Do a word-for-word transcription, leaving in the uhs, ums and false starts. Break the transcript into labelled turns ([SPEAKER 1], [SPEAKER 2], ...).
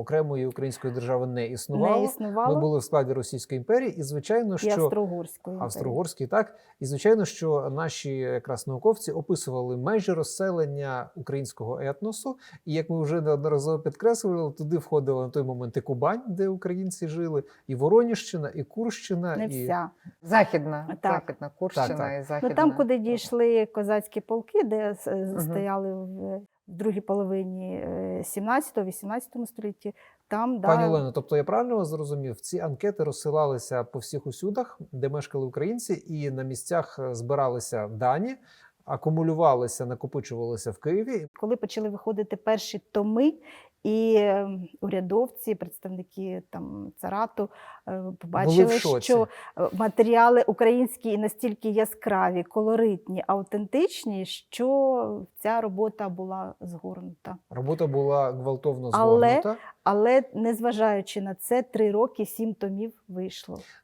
[SPEAKER 1] окремої української держави не існувало.
[SPEAKER 2] Не існувало.
[SPEAKER 1] Ми були в складі Російської імперії, і звичайно,
[SPEAKER 2] І
[SPEAKER 1] що
[SPEAKER 2] Австро-Угорської імперії.
[SPEAKER 1] Австро-Угорський, так. І звичайно, що наші якраз науковці описували межі розселення українського етносу. І як ми вже неодноразово підкреслювали, туди входила на той момент і Кубань, де українці жили, і Вороніжчина, і Курщина.
[SPEAKER 2] Не
[SPEAKER 1] і...
[SPEAKER 2] вся.
[SPEAKER 3] Західна,
[SPEAKER 2] Так.
[SPEAKER 3] Західна Курщина
[SPEAKER 1] Так, так.
[SPEAKER 3] і Західна.
[SPEAKER 2] Ну, там, куди дійшли козацькі полки, де с-
[SPEAKER 3] Мгм.
[SPEAKER 2] стояли в в другій половині сімнадцятого-вісімнадцятого столітті, там,
[SPEAKER 1] Пані
[SPEAKER 2] да,
[SPEAKER 1] Олено, тобто я правильно вас зрозумів, ці анкети розсилалися по всіх усюдах, де мешкали українці, і на місцях збиралися дані, акумулювалися, накопичувалися в Києві.
[SPEAKER 2] коли почали виходити перші томи, і е, урядовці, представники там царату е, побачили,
[SPEAKER 1] шоці.
[SPEAKER 2] що е, матеріали українські настільки яскраві, колоритні, автентичні, що ця робота була згорнута.
[SPEAKER 1] Робота була гвалтовно
[SPEAKER 2] Але-
[SPEAKER 1] згорнута.
[SPEAKER 2] Але незважаючи на це, три роки сім томів вийшло.